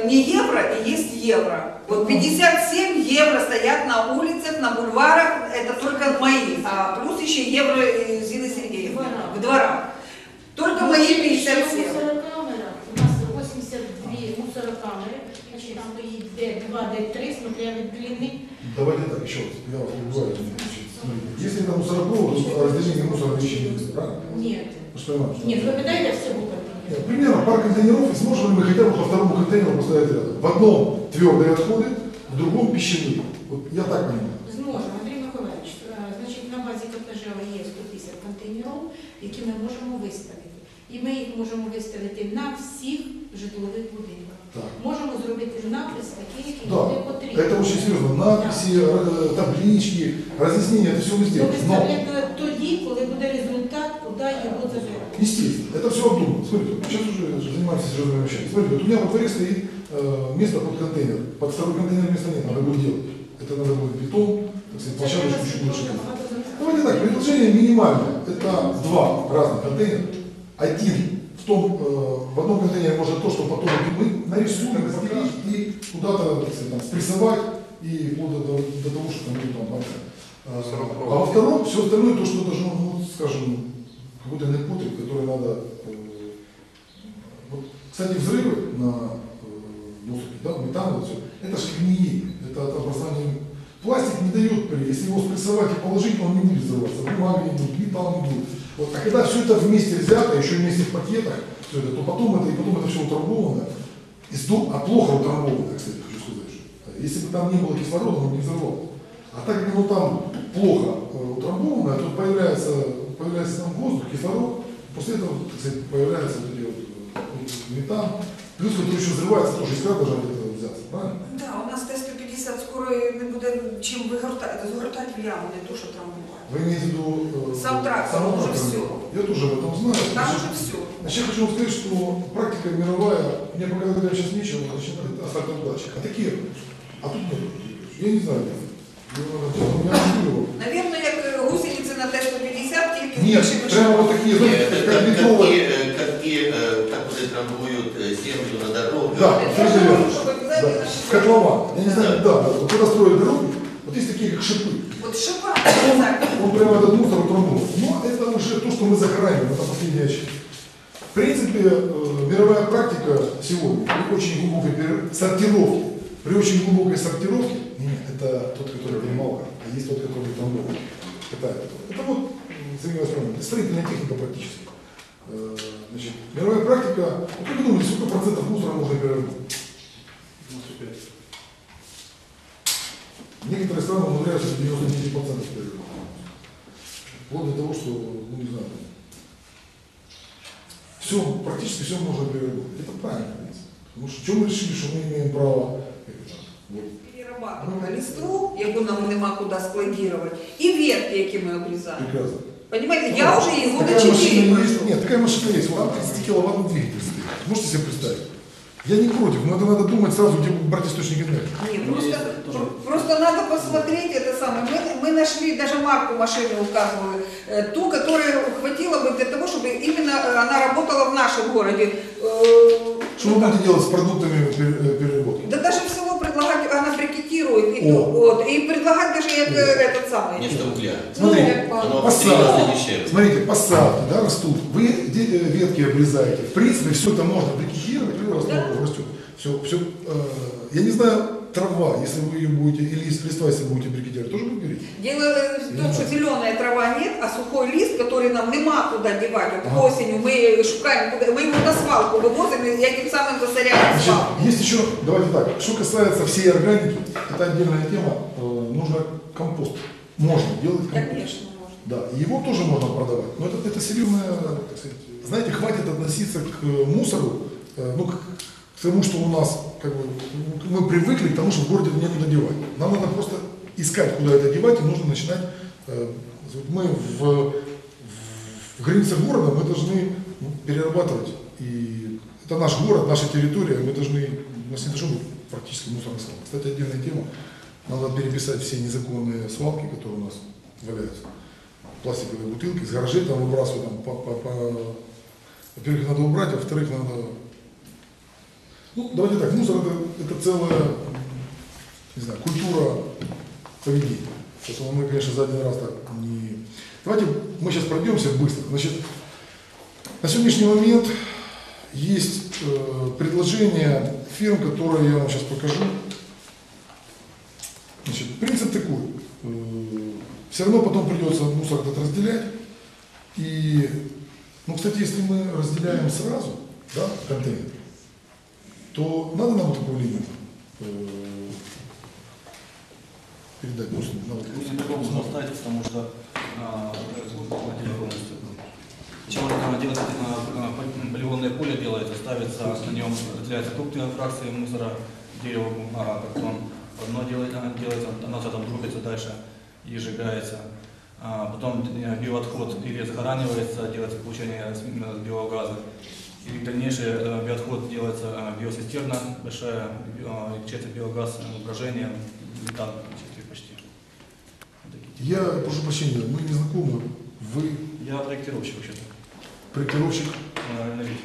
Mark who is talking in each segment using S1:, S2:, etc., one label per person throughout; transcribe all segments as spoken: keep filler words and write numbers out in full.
S1: не евро и есть евро. Вот пятьдесят семь евро стоят на улицах, на бульварах, это только мои, а плюс еще евро Зины Сергеевны в дворах. Только мои пятьдесят семь.
S2: У нас восемьдесят две мусорокамеры, значит, там стоит Д два, Д три, смотря от длины.
S3: Давайте так, еще раз, я вас убиваю. Если это мусоропровод, то разделение мусора вещей не будет, правильно?
S2: Нет.
S3: Что
S2: Нет, вы питаете всего
S3: контейнеров? Примерно пара контейнеров, и сможем ли мы хотя бы по второму контейнеру поставить рядом? В одном твердые отходы, в другом пищевые. Вот я так понимаю.
S2: Зможемо, Андрій Миколаївич. Значить, на базі КПЖ є сто п'ятдесят контейнерів, які ми можемо виставити. І ми їх можемо виставити на всіх житлових будинках.
S3: Так.
S2: Можемо зробити напис такий, який
S3: Да,
S2: буде потрібен.
S3: это очень серьезно. Надписи, да. Таблички, разъяснения, это все мы сделаем.
S2: Но тоді, коли буде результат, куди його забирати.
S3: Естественно, это все обдумано. Смотрите, сейчас уже занимаемся серьезными вещами. Смотрите, вот у меня во дворе стоит э, место под контейнер. Под второй контейнер места нет, надо будет делать. Это надо будет бетон, так сказать, площадочку чуть больше. Давайте так, предложение минимальное. Это два разных контейнера. Один в том, э, в одном контейнере может то, что потом мы нарисуем, разделить и куда-то, так сказать, там, спрессовать и вплоть до, до того, что там будет там понятно. А во втором все остальное, то, что должно, ну, скажем, какой-то непотреб, который надо... Э, вот, кстати, взрывы на э, мусорке, да, метан, вот все, это же гниение, это от образования. Пластик не дает при, если его спрессовать и положить, он не будет взрываться, бумага не будет, металл не будет. Вот, а когда все это вместе взято, еще вместе в пакетах, все это, то потом это, и потом это все утрамбовано, и сдо, а плохо утрамбовано, кстати, хочу сказать, что если бы там не было кислорода, он не взорвался. А так как оно там плохо э, утрамбовано, то появляется, появляется там воздух, кислород, после этого, так сказать, появляется вот эти вот, э, метан, плюс, который еще взрывается, тоже искра должна от этого взяться, правильно?
S1: Да, у нас Т сто п'ятдесят скоро не буде чим вигортати, загортати в яму, не то, що трамбувати.
S3: Вы имеете в виду... Э,
S1: Сам трактор,
S3: сам
S1: уже
S3: трактор.
S1: все.
S3: Я тоже об этом знаю.
S1: Там
S3: Значит,
S1: уже все.
S3: Значит, я хочу вам сказать, что практика мировая, мне пока говорят сейчас нечего, значит, это асфальтовый датчик. А такие, а тут нет. Я не знаю.
S1: Наверное, як гусеницы на Т сто пятьдесят, тільки
S3: нет, прямо вот такие,
S4: Нет,
S3: как
S4: как,
S3: бетонные.
S4: какие, какие, которые трамбуют землю на дорогу.
S3: Да,
S1: Это
S3: совершенно
S1: же
S3: верно.
S1: чтобы
S3: Да.
S1: обязательно
S3: В котлован. Я не знаю, да, вот когда строят дороги, вот есть такие как шипы.
S1: Вот шипа обязательно.
S3: Он прямо этот мусор утрамбован. Но это уже то, что мы захораниваем, это последняя часть. В принципе, э, мировая практика сегодня при очень глубокой сортировке, при очень глубокой сортировке, нет, это тот, который перемалка, а есть тот, который утрамбован. Это, это вот, Сергей Васильевич, строительная техника практически. Э, значит, мировая практика, вот как вы думаете, сколько процентов мусора можно переработать? девяносто пять. Некоторые страны умудряются девяносто девять процентов переработать. Вплоть до того, что, ну не знаю, все, практически все можно переработать. Это правильно, потому что что мы решили, что мы имеем право вот.
S1: Перерабатываємо листву, яку нам нема куди складувати, і ветки, які ми обрізаємо.
S3: Прекрасно.
S1: Понимаете, я уже и года
S3: Такая машина
S1: четыре
S3: есть.
S1: прошло.
S3: Нет, такая машина есть. Вот там тридцать киловаттный двигатель стоит. Можете себе представить? Я не против, но это надо думать сразу, где брать источник энергии.
S1: Нет, просто, просто надо посмотреть это самое. Мы, мы нашли, даже марку машины указывали, э, ту, которая хватило бы для того, чтобы именно она работала в нашем городе. Э,
S3: Что вы будете делать с продуктами переработки?
S1: Да даже всего предлагать, она брикетирует, и,
S3: О.
S1: вот, и предлагать даже э, этот самый.
S4: Нефть угля.
S3: Смотрите,
S1: Ну,
S4: Оно
S3: посадки,
S4: гораздо дешевле.
S3: смотрите, посадки, да, растут. Вы де- ветки обрезаете. В принципе, все это можно брикетировать, и растет.
S1: Да.
S3: растет. Все, все, э, я не знаю, трава, если вы ее будете, или лист листва, если будете брикетировать, тоже будет гореть?
S1: Дело в том, что зеленая трава нет, а сухой лист, который нам нема куда девать. Вот
S3: Ага.
S1: осенью мы шукаем, куда, мы его на свалку вывозим и этим самым засоряем
S3: Значит,
S1: свалку.
S3: есть еще, давайте так, что касается всей органики, это отдельная тема, э, нужно компост. Можно делать компост.
S1: Конечно, можно.
S3: Да, и его тоже можно продавать. Но это, это серьезная, так сказать, знаете, хватит относиться к э, мусору, э, ну, к, к тому, что у нас, как бы, мы привыкли к тому, что в городе некуда девать. Нам надо просто искать, куда это девать, и нужно начинать, э, мы в, в, в границах города, мы должны ну, перерабатывать. И это наш город, наша территория, мы должны, у нас не должно быть практически мусорных свалок. Кстати, отдельная тема, надо переписать все незаконные свалки, которые у нас валяются. Пластиковые бутылки, из гаражей там выбрасывают, там, по, по, по... во-первых, надо убрать, а во-вторых, надо... Ну, давайте так, мусор это, это целая, не знаю, культура поведения. Поэтому мы, конечно, за один раз так не... Давайте мы сейчас пройдемся быстро. Значит, на сегодняшний момент есть э, предложение фирм, которые я вам сейчас покажу. Значит, принцип такой. Э, все равно потом придется мусор этот разделять. И, ну, кстати, если мы разделяем сразу, да, контейнер, то надо нам вот такую линию э, передать. Просто, надо.
S5: Можно оставить, потому что а, человек делает а, полигонное поле, делает, ставится, на нем разделяется крупные фракции мусора, дерево, а, картон. Одно делает, делается, оно там двигается дальше и сжигается. А, потом биоотход или загоранивается, делается получение биогаза. И дальнейший биоотход делается биосистерна большая, получается биогаз, брожение, метан почти.
S3: Я прошу прощения, мы не знакомы. Вы
S5: Я проектировщик вообще-то.
S3: проектировщик,
S5: Э, Энергетик.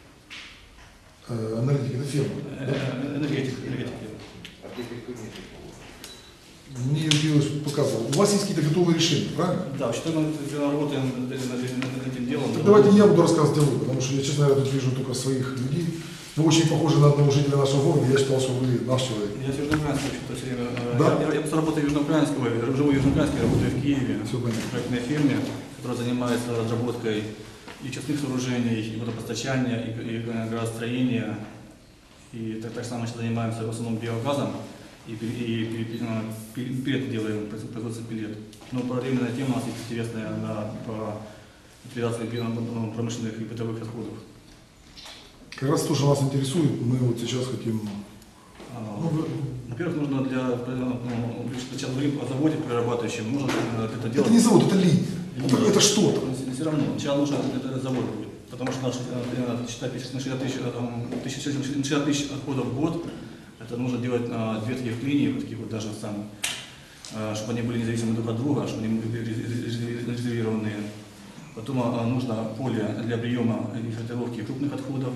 S3: э, аналитик, это фирма. Да?
S5: Э, Энергетик, энергетик.
S3: Мне Юрий показывал. У вас есть какие-то готовые решения, правильно?
S5: Да, вообще-то мы работаем над этим делом.
S3: Так давайте я буду рассказывать о вы, потому что я, честно говоря, тут вижу только своих людей. Вы очень похожи на одного жителя нашего города, я считал, что вы наш человек.
S5: Я с Южноукраинска вообще-то все время.
S3: Да?
S5: Я, я, я просто работаю в Южноукраинске, живу в Южноукраинске, работаю в Киеве.
S3: Все понятно.
S5: В проектной фирме, которая занимается разработкой и частных сооружений, и водопостачания, и, и градостроения. И так, так само сейчас занимаемся в основном биогазом. И, и, и, и пилет делаем, производство пилет. Но параллельная тема у нас есть интересная на, по ликвидации промышленных и бытовых отходов.
S3: Как раз то, что нас интересует, мы вот сейчас хотим...
S5: А,
S3: Ну, вы-
S5: Во-первых, нужно для, ну, сейчас говорим о заводе перерабатывающем, нужно это делать.
S3: Это не завод, это линия. Это,
S5: Нет.
S3: это что-то.
S5: Все равно, сначала нужно это завод будет, потому что на шестьдесят тысяч отходов в год, это нужно делать а, две таких линии, вот таких вот даже самых, а, чтобы они были независимы друг от друга, чтобы они были резервированные. Потом а, нужно поле для приема и фильтровки крупных отходов,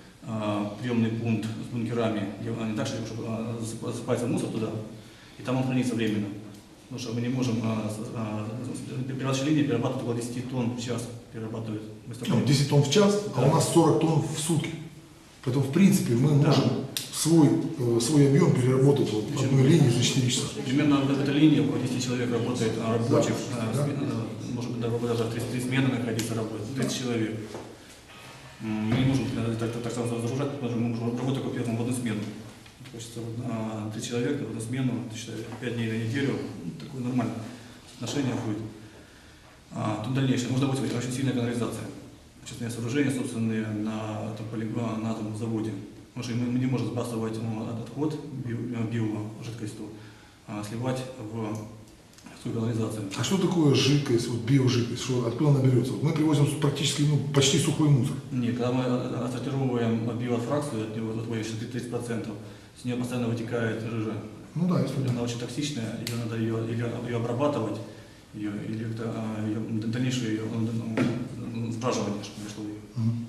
S5: а, приемный пункт с бункерами, где они так, чтобы а, засыпается мусор туда, и там он хранится временно. Потому что мы не можем, а, а, переводчая линия перерабатывает около десяти тонн в час, перерабатывает.
S3: Ну, десять тонн в час, а у нас сорок тонн в сутки. Поэтому, в принципе, мы
S5: Да.
S3: можем свой, э, свой объем переработать вот в одной линии за четыре часа.
S5: Примерно в этой линии около десяти человек работает, а, рабочих, а,
S3: Да.
S5: сме- а, может быть, даже три, три смены находиться работает, тридцать человек. М, Мы не можем э, так, так, так сразу загружать, потому что мы можем работать только первым в одну смену. Хочется а, три человека в одну смену, считай, пять дней на неделю, ну, такое нормальное отношение будет. А, тут дальнейшее, нужно быть очень сильная канализация. Частные сооружения, собственные, на этом полигоне, на этом заводе. Потому что мы, мы не можем сбрасывать ну, отход био, биожидкостью, а сливать в свою канализацию.
S3: А что такое жидкость, вот биожидкость, что, откуда она берется? Вот мы привозим практически ну, почти сухой мусор.
S5: Нет, когда мы отсортировываем биофракцию, от него отводится тридцать процентов, с нее постоянно вытекает жижа.
S3: Ну да, если
S5: Она очень токсичная, ее надо ее, или ее обрабатывать, ее, или как-то, а, ее, дальнейшее ее ну, сбраживание, чтобы пришло ее.
S3: Мгм.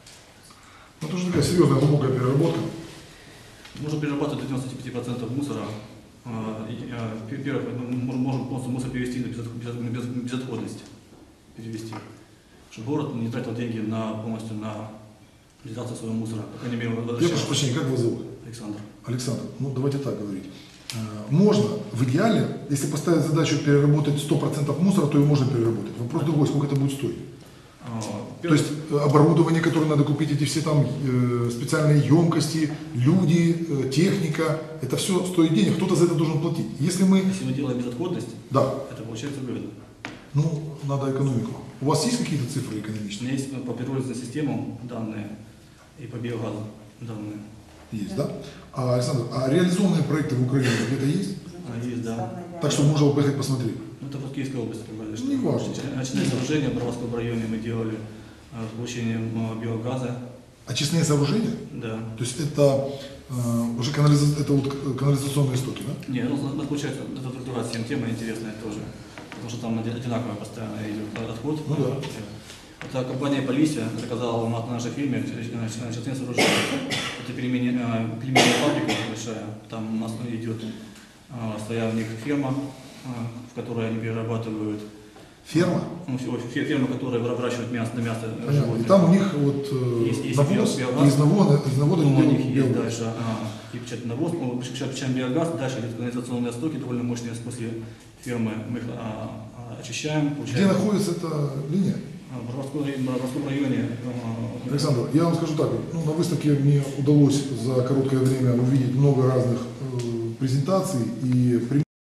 S3: Ну, это уже такая серьезная глубокая переработка.
S5: Можно перерабатывать до девяноста пяти процентов мусора. А, и, а, Во-первых, мы можем полностью мусор перевести на безот- безот- без- безотходность. Перевести. Чтобы город не тратил деньги на, полностью на реализацию своего мусора. По крайней мере,
S3: Я
S5: сейчас.
S3: прошу прощения, как вас зовут?
S5: Александр.
S3: Александр, ну давайте так говорить. Э, Можно, в идеале, если поставить задачу переработать сто процентов мусора, то ее можно переработать. Вопрос другой, сколько это будет стоить.
S5: А,
S3: То есть э, оборудование, которое надо купить, эти все там э, специальные емкости, люди, э, техника, это все стоит денег, кто-то за это должен платить. Если мы,
S5: Если мы делаем безотходность,
S3: да,
S5: это получается выгодно.
S3: ну, надо экономику. У вас есть какие-то цифры
S5: У
S3: экономические?
S5: меня есть по пиролизным системам данные и по биогазу данные.
S3: Есть, да? А, Александр, а реализованные проекты в Украине где-то есть?
S5: А, есть, да.
S3: Так что можно поехать посмотреть.
S5: Ну, это в Киевской области. Как бы,
S3: Не важно.
S5: Очные сооружения в Броварском районе мы делали а, с получением а, биогаза.
S3: Очистные сооружения?
S5: Да.
S3: То есть это э, уже канализа- это вот канализационные стоки, да?
S5: Не, ну, у нас получается, эта структура всем тема интересная тоже. Потому что там оди- одинаково постоянно идет отход.
S3: Ну да.
S5: Это компания Полисия заказала у нас на нашей фирме частные сооружения. это пельмени, а, пельменная фабрика большая, там у нас идет а, своя у них ферма, а, в которой они перерабатывают,
S3: Ферма?
S5: ну, фе- ферма, которая выращивает мясо на мясо
S3: Понятно.
S5: животных.
S3: И там у них вот э,
S5: Есть- есть
S3: навоз,
S5: биогаз.
S3: из навоза, из навоза
S5: Ну, у
S3: делают
S5: них есть
S3: биогаз.
S5: дальше а, и печатный навоз, ну, печатаем печатаем биогаз, дальше идет канализационные стоки, довольно мощные, после фермы мы их а, а, очищаем,
S3: Где
S5: получаем.
S3: находится эта линия?
S5: А, В Боровском районе, в Боровском районе а,
S3: Александр, я вам скажу так, ну, на выставке мне удалось за короткое время увидеть много разных э, презентаций и примеров.